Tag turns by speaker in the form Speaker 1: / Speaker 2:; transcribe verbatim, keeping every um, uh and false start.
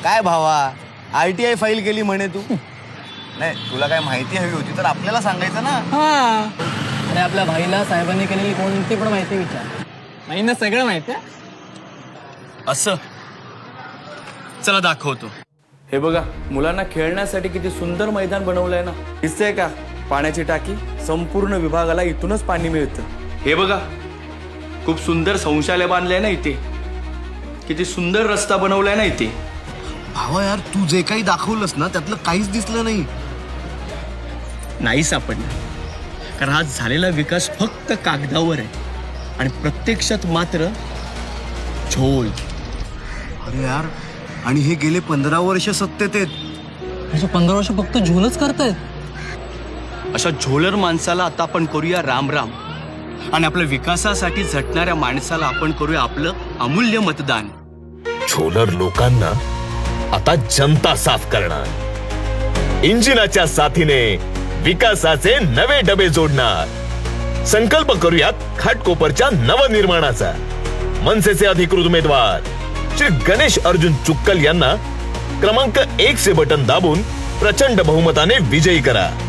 Speaker 1: काय भावा, RTI file केली म्हणे तू. नाही, तुला काय माहिती हवी होती तर आपल्याला सांगायचं ना.
Speaker 2: हा, अरे आपल्या भाईला साहेबांनी केलेली कोणती पण माहिती विचार, भाईंना सगळं माहिती आहे.
Speaker 3: असं चला दाखवतो.
Speaker 4: हे बघा, मुलांना खेळण्यासाठी किती सुंदर मैदान बनवलंय ना. दिसतंय का पाण्याची टाकी? संपूर्ण विभागाला इथूनच पाणी मिळतं.
Speaker 3: हे बघा, खूप सुंदर शौचालय बांधलंय ना इथे. किती सुंदर रस्ता बनवलाय ना इथे.
Speaker 1: भावा यार, तू जे काही दाखवलंस ना त्यातलं काहीच दिसलं नाही.
Speaker 3: नाही सापडणार, कारण हा झालेला विकास फक्त कागदावर आहे आणि प्रत्यक्षात मात्र झोल.
Speaker 1: अरे यार, आणि हे गेले पंधरा वर्ष सत्तेत आहेत.
Speaker 2: असं पंधरा वर्ष फक्त झोलच करतायत.
Speaker 3: अशा झोलर माणसाला आता आपण करूया राम राम, आणि आपल्या विकासासाठी झटणाऱ्या माणसाला आपण करूया आपलं अमूल्य मतदान.
Speaker 5: झोलर लोकांना आता जनता साफ करणार. इंजिनाच्या साथीने विकासाचे नवे डबे जोडणार. संकल्प करूयात घाटकोपरच्या नवनिर्माणाचा. मनसेचे अधिकृत उमेदवार श्री गणेश अर्जुन चुक्कल यांना क्रमांक एक चे बटन दाबून प्रचंड बहुमताने विजयी करा.